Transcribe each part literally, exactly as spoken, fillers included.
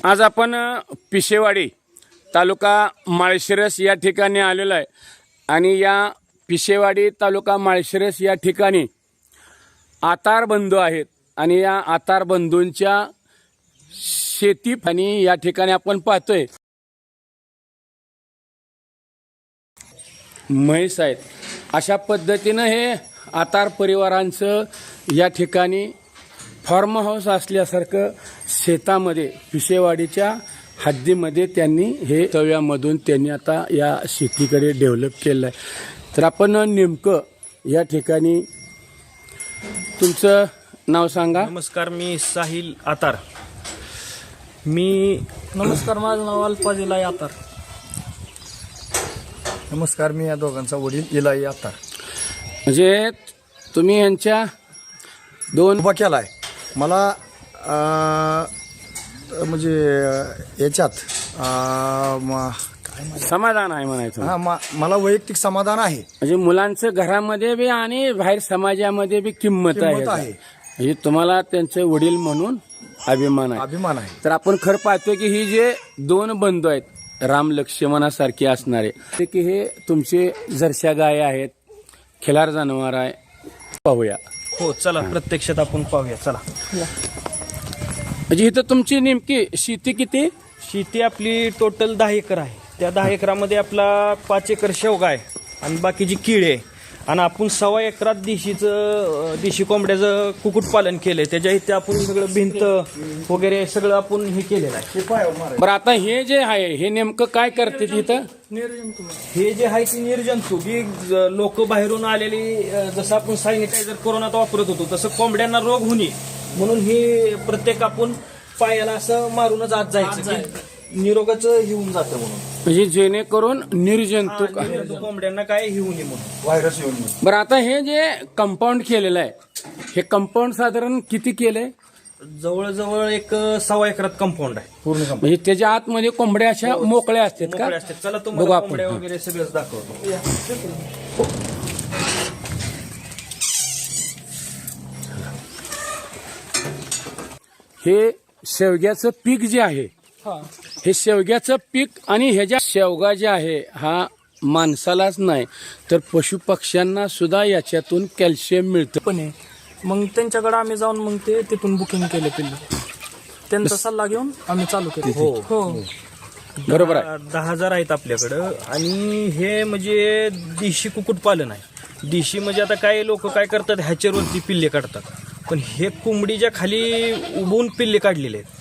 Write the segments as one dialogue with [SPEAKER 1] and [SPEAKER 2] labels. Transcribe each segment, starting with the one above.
[SPEAKER 1] आज आपण पिशेवाडी तालुका माळशिरस या ठिकाणी आलेलो आहे आणि या पिशेवाडी तालुका माळशिरस या ठिकाणी आतार बंधू आहेत आणि या आतार बंधूंच्या शेती आणि या ठिकाणी आपण पाहतोय म्हैस आहेत. अशा पद्धतीनं हे आतार परिवारांचं या ठिकाणी फार्म हाऊस असल्यासारखं शेतामध्ये पिशेवाडीच्या हद्दीमध्ये त्यांनी हे तव्यामधून त्यांनी आता या शेतीकडे डेव्हलप केलं आहे. तर आपण नेमकं या ठिकाणी तुमचं नाव सांगा.
[SPEAKER 2] नमस्कार, मी साहिल आतार. मी
[SPEAKER 3] नमस्कार, माझं नाव अल्फाजिलाई आतार.
[SPEAKER 4] नमस्कार, मी या दोघांचा वडील इलाई आतार.
[SPEAKER 1] म्हणजे तुम्ही यांच्या दोन
[SPEAKER 4] उभा केला आहे. मला अं, म्हणजे याच्यात अं, म-
[SPEAKER 1] समाधान आहे म्हणायचं.
[SPEAKER 4] हा, मा- मला वैयक्तिक समाधान आहे.
[SPEAKER 1] म्हणजे मुलांचं घरामध्ये बी आणि बाहेर समाजामध्ये बी किंमत
[SPEAKER 4] किंमत
[SPEAKER 1] आहे.
[SPEAKER 4] आहे.
[SPEAKER 1] म्हणजे तुम्हाला त्यांचे वडील म्हणून अभिमान आहे.
[SPEAKER 4] अभिमान आहे.
[SPEAKER 1] तर आपण खरं पाहतोय की ही जे दोन बंधू आहेत राम लक्ष्मणासारखे असणारे ते की हे तुमचे जर्शा गाय आहेत, खिलार जनावर आहे. पाहूया.
[SPEAKER 2] हो, चला प्रत्यक्षात आपण पाहूया. चला,
[SPEAKER 1] म्हणजे इथं तुमची नेमकी शेती किती?
[SPEAKER 2] शेती आपली टोटल दहा एकर आहे. त्या दहा एकरामध्ये आपला पाच एकर शेवगा आहे आणि बाकीची किळे आहे. आणि आपण सव्वा एकरात देशीचं देशी कोंबड्याचं कुक्कुटपालन केलंय. त्याच्या इथे आपण सगळं भिंत वगैरे सगळं आपण हे केलेलं आहे.
[SPEAKER 1] बरं, आता हे जे आहे हे नेमकं काय करते तिथं?
[SPEAKER 2] हे जे आहे ती निर्जंतुक ही लोक बाहेरून आलेली, अ, जसं आपण सॅनिटायझर कोरोनात वापरत होतो तसं कोंबड्यांना रोग होणे म्हणून हे प्रत्येक आपण पायाला असं मारूनच आत जायचं की निरोगाचं येऊन जातं म्हणून.
[SPEAKER 1] म्हणजे जेणेकरून निर्जंतुक.
[SPEAKER 2] निर्जंतुक कोंबड्यांना काय येऊ नये म्हणून.
[SPEAKER 4] व्हायरस येऊन नये.
[SPEAKER 1] बरं, आता हे जे कंपाऊंड केलेलं आहे हे कंपाऊंड साधारण किती केलंय?
[SPEAKER 2] जवळजवळ एक सव्वा एकरात कंपाऊंड आहे पूर्ण.
[SPEAKER 1] म्हणजे त्याच्या आतमध्ये कोंबड्या अशा मोकळ्या असतात का?
[SPEAKER 2] मोकळे असतात. चला
[SPEAKER 1] बघू
[SPEAKER 2] तुम्हाला
[SPEAKER 1] आपण.
[SPEAKER 2] कोंबड्या वगैरे सगळंच दाखवतो.
[SPEAKER 1] हे शेवग्याचं पीक जे आहे हे शेवग्याचं पीक आणि ह्याच्या शेवगा जे आहे हा माणसालाच नाही तर पशुपक्ष्यांना सुद्धा याच्यातून कॅल्शियम मिळतं.
[SPEAKER 3] पण आहे. मग त्यांच्याकडे आम्ही जाऊन मग ते तिथून बुकिंग केले पिल्लू. त्यांचा सल्ला घेऊन आम्ही चालू केलं.
[SPEAKER 2] हो
[SPEAKER 3] हो
[SPEAKER 1] बरोबर आहे.
[SPEAKER 2] दहा दहा हजार आहेत आपल्याकडं. आणि हे म्हणजे देशी कुक्कुटपालन आहे. देशी म्हणजे आता काय लोक काय करतात ह्याच्यावरती पिल्ले काढतात, पण हे कोंबडीच्या खाली उभून पिल्ले काढलेले आहेत.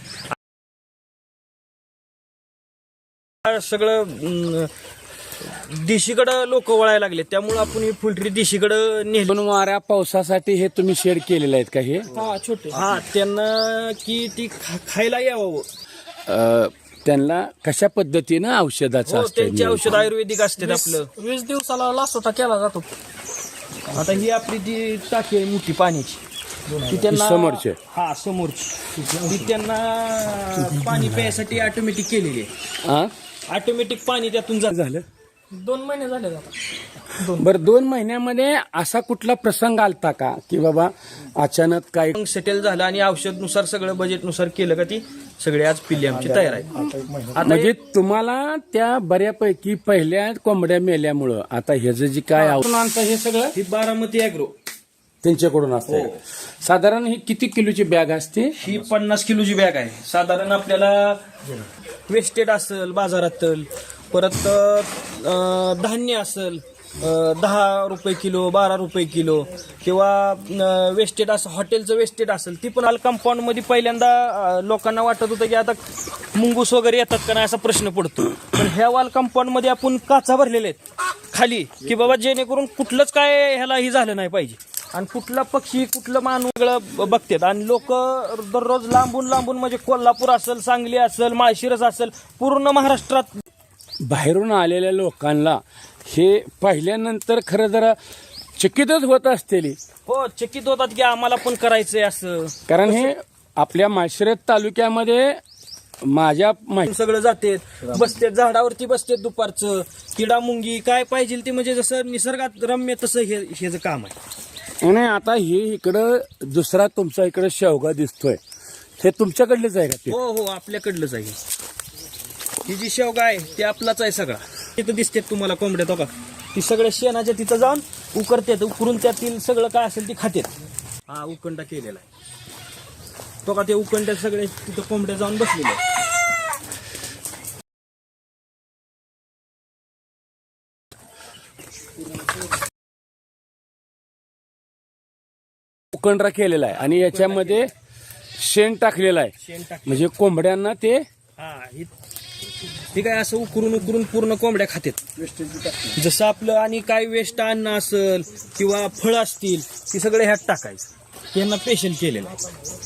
[SPEAKER 2] सगळं अं, देशीकडं लोक वळायला लागले, त्यामुळे आपण ही फुलटरी देशीकडं नेली.
[SPEAKER 1] दोन वाऱ्या पावसासाठी हे तुम्ही शेड केलेले आहेत का? हे
[SPEAKER 3] हा छोटे.
[SPEAKER 2] हा, त्यांना की ती खा- खायला यावं.
[SPEAKER 1] अ, त्यांना कशा पद्धतीनं औषधाचं
[SPEAKER 2] हो,
[SPEAKER 1] असतं?
[SPEAKER 2] त्यांचे औषध आयुर्वेदिक असतात आपलं.
[SPEAKER 3] वीस दिवसाला लासोटा केला जातो.
[SPEAKER 2] आता ही आपली ती टाकी आहे मोठी पाण्याची, ती त्यांना
[SPEAKER 1] समोरची?
[SPEAKER 2] हा, समोरची. ती त्यांना पाणी प्यायसाठी ऑटोमॅटिक केलेली आहे.
[SPEAKER 1] हा?
[SPEAKER 2] ऑटोमॅटिक पाणी त्यातून जात.
[SPEAKER 1] झालं.
[SPEAKER 3] दोन महिने झाले आता.
[SPEAKER 1] बरं, दोन महिन्यामध्ये असा कुठला प्रसंग आलता का की बाबा अचानक काय
[SPEAKER 2] मग सेटल झालं आणि औषधनुसार सगळं बजेटनुसार केलं का ती सगळे आज पिल्ले आमची तयार आहे. आता
[SPEAKER 1] म्हणजे तुम्हाला त्या बऱ्यापैकी पहिल्या कोंबड्या मेल्यामुळं आता ह्याचं जे काय औषध हे सगळं
[SPEAKER 2] ही बारामती अॅग्रो
[SPEAKER 1] त्यांच्याकडून असतं. साधारण ही किती किलोची बॅग असते?
[SPEAKER 2] ही पन्नास किलोची बॅग आहे. साधारण आपल्याला वेस्टेड असेल बाजारातल, परत अं, धान्य असेल अं, दहा रुपये किलो, बारा रुपये किलो, किंवा वेस्टेड असं हॉटेलचं वेस्टेड असेल ती पण आल कंपाऊंड मध्ये. पहिल्यांदा अं, लोकांना वाटत होतं की आता मुंगूस वगैरे येतात का नाही असा प्रश्न पडतो, पण ह्या वाल कंपाऊंड मध्ये आपण काचा भरलेले आहेत खाली की बाबा जेणेकरून कुठलंच काय ह्याला ही झालं नाही पाहिजे. आणि कुठला पक्षी कुठलं माणूस वेगळं बघतात. आणि लोक दररोज लांबून लांबून म्हणजे कोल्हापूर असेल, सांगली असेल, माळशिरस असेल, पूर्ण महाराष्ट्रात
[SPEAKER 1] बाहेरून आलेल्या लोकांना हे पाहिल्यानंतर खरं जरा चकितच होत असतेली.
[SPEAKER 2] हो, चकित होतात की आम्हाला पण करायचंय असं.
[SPEAKER 1] कारण हे आपल्या माळशिरस तालुक्यामध्ये माझ्या माहिती
[SPEAKER 2] सगळं जाते, बसते झाडावरती बसते दुपारचं, किडा मुंगी काय पाहिजे ते म्हणजे जसं निसर्गात रम्य तसं हे हेच काम आहे.
[SPEAKER 1] आणि आता हे इकडं दुसरा तुमचा इकडं शेवगा दिसतोय. हे तुमच्याकडलेच आहे का ते?
[SPEAKER 2] हो हो आपल्याकडलंच आहे. ही जी शेवगा आहे ती आपलाच आहे सगळा. तिथं दिसते तुम्हाला कोंबड्या तो का ती सगळ्या शेणाच्या तिथं जाऊन उकरतात, उकरून त्यातील सगळं काय असेल ती खातात. हा उकंडा केलेला आहे तो का ते उकंड्यात सगळे तिथं कोंबड्या जाऊन बसलेले आहेत.
[SPEAKER 1] उकंडरा केलेला आहे आणि याच्यामध्ये शेण टाकलेलं आहे,
[SPEAKER 2] शेण टाक
[SPEAKER 1] म्हणजे कोंबड्यांना ते
[SPEAKER 2] हा ही ही काय असं उकरून उकरून पूर्ण कोंबड्या खातात. जसं आपलं आणि काय वेस्ट अन्न असेल किंवा फळं असतील ती सगळे ह्यात टाकायचं. यांना स्पेशल केलेलं आहे.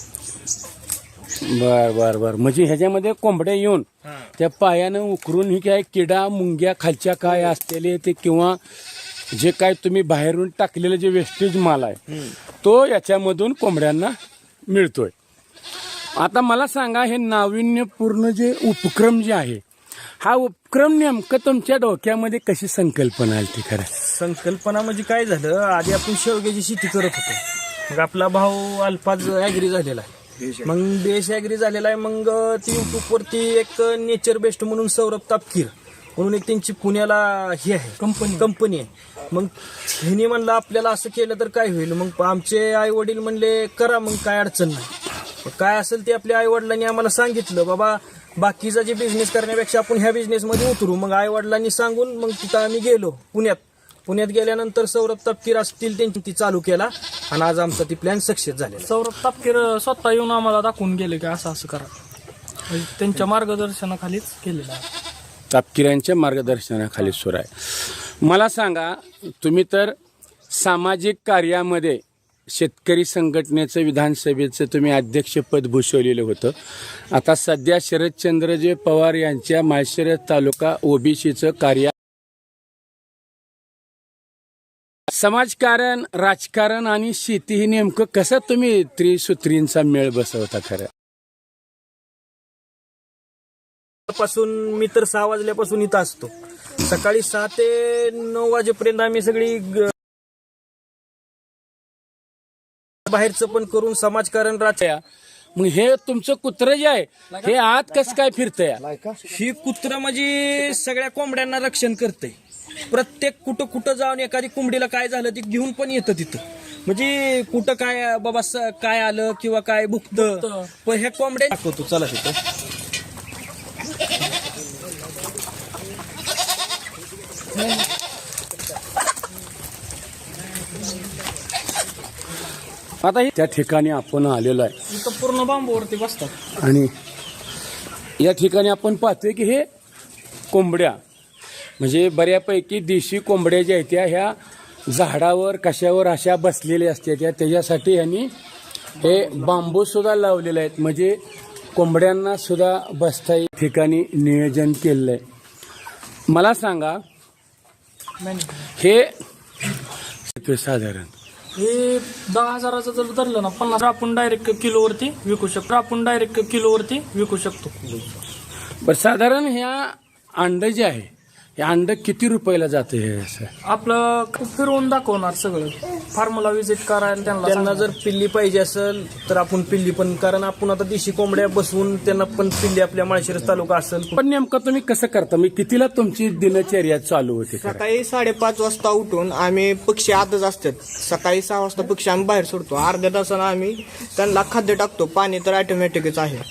[SPEAKER 1] बर बर बर म्हणजे ह्याच्यामध्ये कोंबड्या येऊन
[SPEAKER 2] हा.
[SPEAKER 1] त्या पायानं उकरून ही काय किडा मुंग्या खालच्या काय असलेले ते किंवा जे काय तुम्ही बाहेरून टाकलेलं जे वेस्टेज माल आहे तो याच्यामधून कोंबड्यांना मिळतोय. आता मला सांगा, हे नाविन्यपूर्ण जे उपक्रम जे आहे, हा उपक्रम नेमकं तुमच्या डोक्यामध्ये कशी संकल्पना आली ती? खरं
[SPEAKER 2] संकल्पना म्हणजे काय झालं, आधी आपण शेवग्याची शेती करत होतो. मग आपला भाऊ अल्फाज ॲग्री झालेला आहे, मग बेस ॲग्री झालेला आहे. मग ती युट्यूबवरती एक नेचर बेस्ट म्हणून सौरभ तापकीर म्हणून एक त्यांची पुण्याला ही आहे कंपनी कंपनी आहे. मग ह्यानी म्हणलं आपल्याला असं केलं तर काय होईल. मग आमचे आई वडील म्हणले करा, मग काय अडचण नाही. मग काय असेल ते आपल्या आई वडिलांनी आम्हाला सांगितलं, बाबा बाकीचा जे बिझनेस करण्यापेक्षा आपण ह्या बिझनेसमध्ये उतरू. मग आई वडिलांनी सांगून मग तिथं आम्ही गेलो पुण्यात. पुण्यात गेल्यानंतर सौरभ तापकीर असतील त्यांची ती चालू केला आणि आज आमचा ती प्लॅन सक्सेस झालेला.
[SPEAKER 3] सौरभ तापकीर स्वतः येऊन आम्हाला दाखवून गेले की असं असं करा, म्हणजे त्यांच्या मार्गदर्शनाखालीच केलेलं आहे.
[SPEAKER 1] तापकिरांच्या मार्गदर्शनाखाली सुरू आहे. मला सांगा, तुम्ही तर सामाजिक कार्यामध्ये शेतकरी संघटनेचं विधानसभेचं तुम्ही अध्यक्षपद भूषवलेलं होतं. आता सध्या शरदचंद्रजी पवार यांच्या माळशिरस तालुका ओबीसीचं कार्य, समाजकारण, राजकारण आणि शेती ही नेमकं कसं तुम्ही त्रिसूत्रींचा मेळ बसवता? खरं
[SPEAKER 2] पासून मी तर सहा वाजल्यापासून इथं असतो. सकाळी सहा ते नऊ वाजेपर्यंत आम्ही सगळी ग- बाहेरचं पण करून समाजकारण राहत्या.
[SPEAKER 1] मग हे तुमचं कुत्रं जे आहे हे आत कसं काय फिरतंय?
[SPEAKER 2] ही कुत्र म्हणजे सगळ्या कोंबड्यांना रक्षण करते. प्रत्येक कुठं कुठं जाऊन एखादी कोंबडीला काय झालं ती घेऊन पण येतं तिथं. म्हणजे कुठं काय बाबा स- काय आलं किंवा काय भुकतं पण ह्या कोंबड्या दाखवतो. चला तिथं
[SPEAKER 1] आता त्या ठिकाणी आपण आलेलो आहे
[SPEAKER 3] इथं पूर्ण बांबूवरती बसतात
[SPEAKER 1] आणि या ठिकाणी आपण पाहतोय की हे कोंबड्या म्हणजे बऱ्यापैकी देशी कोंबड्या ज्या आहेत त्या ह्या झाडावर कशावर अशा बसलेल्या असतात. त्या त्याच्यासाठी यांनी हे बांबू सुद्धा लावलेले आहेत, म्हणजे कोंबड्यांना सुद्धा बसता या ठिकाणी नियोजन केलेलं आहे. मला सांगा, हे साधारण
[SPEAKER 3] हे दहा हजाराचं जर धरलं ना, पन्नास आपण डायरेक्ट किलोवरती विकू शकतो. आपण डायरेक्ट किलोवरती विकू शकतो.
[SPEAKER 1] बरं, साधारण ह्या अंड जे आहे हे अंड किती रुपयाला जाते? हे असं
[SPEAKER 3] आपलं फिरवून दाखवणार सगळं. फार्मला व्हिजिट करायला त्यांना
[SPEAKER 2] त्यांना जर पिल्ली पाहिजे असेल तर आपण पिल्ली पण, कारण आपण आता देशी कोंबड्या बसवून त्यांना पण पिल्ली आपल्या माळशिरस तालुका असेल.
[SPEAKER 1] पण नेमकं तुम्ही कसं करता? मी कितीला तुमची दिनचर्या चालू होते? खरं?
[SPEAKER 5] सकाळी साडेपाच वाजता उठून आम्ही पक्षी आतच असतात. सकाळी सहा वाजता पक्षी आम्ही बाहेर सोडतो. अर्ध्या तासानं आम्ही त्यांना खाद्य टाकतो. पाणी तर ऑटोमॅटिकच आहे.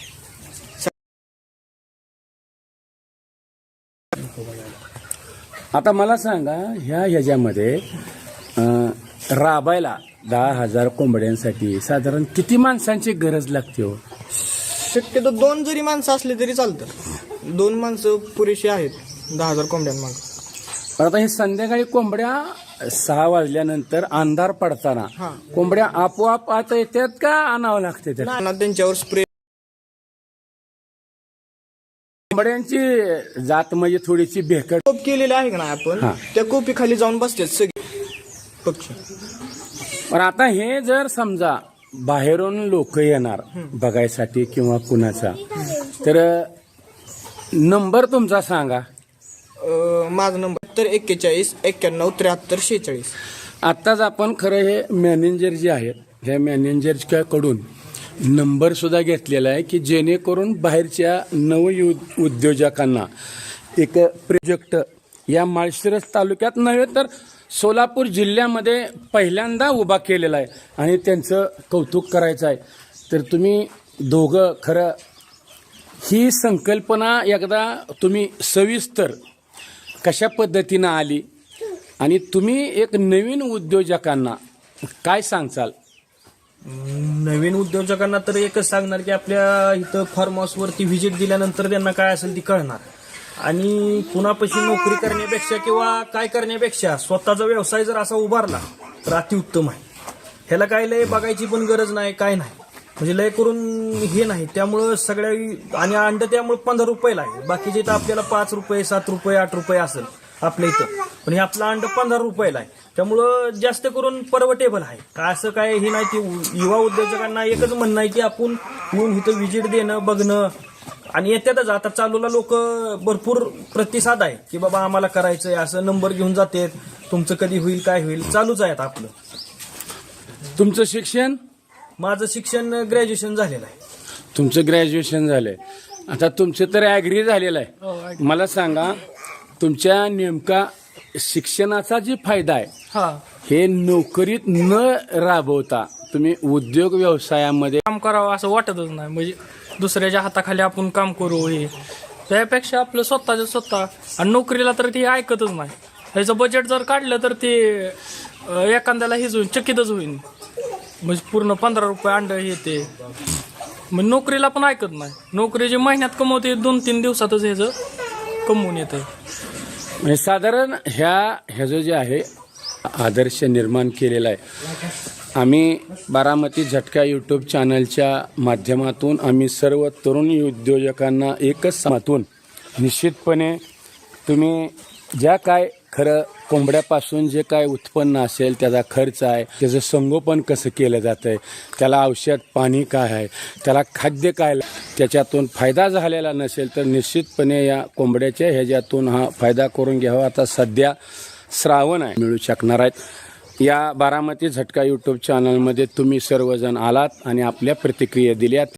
[SPEAKER 1] आता मला सांगा, ह्या ह्याच्यामध्ये अं, राबायला दहा हजार कोंबड्यांसाठी साधारण किती माणसांची गरज लागते हो?
[SPEAKER 5] शक्यतो दोन जरी माणसं असली तरी चालतं. दोन माणसं पुरेशी आहेत दहा हजार कोंबड्यांमाग.
[SPEAKER 1] पण आता हे संध्याकाळी कोंबड्या सहा वाजल्यानंतर अंधार पडताना कोंबड्या आपोआप आता येतात का आणावं लागते? त्या
[SPEAKER 5] ना त्यांच्यावर स्प्रे
[SPEAKER 1] कोंबड्यांची जात म्हणजे थोडीशी भेकट
[SPEAKER 5] कोप केलेले आहे का ना आपण,
[SPEAKER 1] हा.
[SPEAKER 5] त्या कोपी खाली जाऊन बसतात सगळे पक्षी.
[SPEAKER 1] पण आता हे जर समजा बाहेरून लोक येणार बघायसाठी किंवा कुणाचा, तर नंबर तुमचा सांगा.
[SPEAKER 5] अं, माझा नंबर तर एक्केचाळीस एक्क्याण्णव त्र्याहत्तर शेहेचाळीस.
[SPEAKER 1] आत्ताच आपण खरं हे मॅनेजर जे आहेत ह्या मॅनेजरच्या कडून नंबर सुद्धा घेतलेला आहे की जेणेकरून बाहेरच्या नव उद्योजकांना एक प्रोजेक्ट या माळशिरस तालुक्यात नव्हे तर सोलापूर जिल्ह्यामध्ये पहिल्यांदा उभा केलेला आहे आणि त्यांचं कौतुक करायचं आहे. तर तुम्ही दोघं खरं ही संकल्पना एकदा तुम्ही सविस्तर कशा पद्धतीनं आली आणि तुम्ही एक नवीन उद्योजकांना काय सांगचाल?
[SPEAKER 2] नवीन उद्योजकांना तर एकच सांगणार की आपल्या इथं फार्म हाऊसवरती व्हिजिट दिल्यानंतर त्यांना काय असेल ती कळणार आणि कुणापाशी नोकरी करण्यापेक्षा किंवा काय करण्यापेक्षा स्वतःचा व्यवसाय जर असा उभारला तर अतिउत्तम आहे. ह्याला काय लय बघायची पण गरज नाही, काय नाही, म्हणजे लय करून हे नाही. त्यामुळं सगळ्या आणि अंड त्यामुळे पंधरा रुपयाला आहे, बाकीचे तर आपल्याला पाच रुपये सात रुपये आठ रुपये असेल आपल्या इथं, पण हे आपलं अंड पंधरा रुपयाला आहे. त्यामुळं जास्त करून परवटेबल आहे. काय असं काय हे नाही की युवा उद्योजकांना एकच म्हणणं आहे की आपण येऊन इथं व्हिजिट देणं बघणं आणि येतातच. आता चालूला लोक भरपूर प्रतिसाद आहे की बाबा आम्हाला करायचंय, असं नंबर घेऊन जाते, तुमचं कधी होईल काय होईल, चालूच आहे आता आपलं.
[SPEAKER 1] तुमचं शिक्षण?
[SPEAKER 2] माझं शिक्षण ग्रॅज्युएशन झालेलं आहे.
[SPEAKER 1] तुमचं ग्रॅज्युएशन झालंय, आता तुमचं तर ॲग्री झालेलं
[SPEAKER 3] हो,
[SPEAKER 1] आहे. मला सांगा तुमच्या नेमका शिक्षणाचा जे फायदा आहे
[SPEAKER 3] हा
[SPEAKER 1] हे नोकरीत न राबवता तुम्ही उद्योग व्यवसायामध्ये
[SPEAKER 3] काम करावं असं वाटतच नाही. म्हणजे दुसऱ्याच्या हाताखाली आपण काम करू हे त्यापेक्षा आपलं स्वतःचं स्वतः. आणि नोकरीला तर ते ऐकतच नाही. ह्याचं बजेट जर काढलं तर ते अं, एखाद्याला हेच होईल, चकितच होईल. म्हणजे पूर्ण पंधरा रुपये अंड हे ते मग नोकरीला पण ऐकत नाही. नोकरी जे महिन्यात कमवते दोन तीन दिवसातच ह्याचं कमवून येते.
[SPEAKER 1] म्हणजे साधारण ह्या ह्याचं जे आहे आदर्श निर्माण केलेला आहे. आम्ही बारामती झटका यूट्यूब चॅनलच्या माध्यमातून आम्ही सर्व तरुण उद्योजकांना एकच सांगतून निश्चितपणे तुम्ही ज्या काय खरं कोंबड्यापासून जे काय उत्पन्न असेल त्याचा खर्च आहे, त्याचं संगोपन कसं केलं जातं आहे, त्याला औषध पाणी काय आहे, त्याला खाद्य काय, त्याच्यातून फायदा झालेला नसेल तर निश्चितपणे या कोंबड्याच्या ह्याच्यातून हा फायदा करून घ्यावा. आता सध्या श्रावण आहे, मिळू शकणार आहेत. या बारामती झटका यूट्यूब चॅनलमध्ये तुम्ही सर्वजण आलात आणि आपल्या प्रतिक्रिया दिल्यात.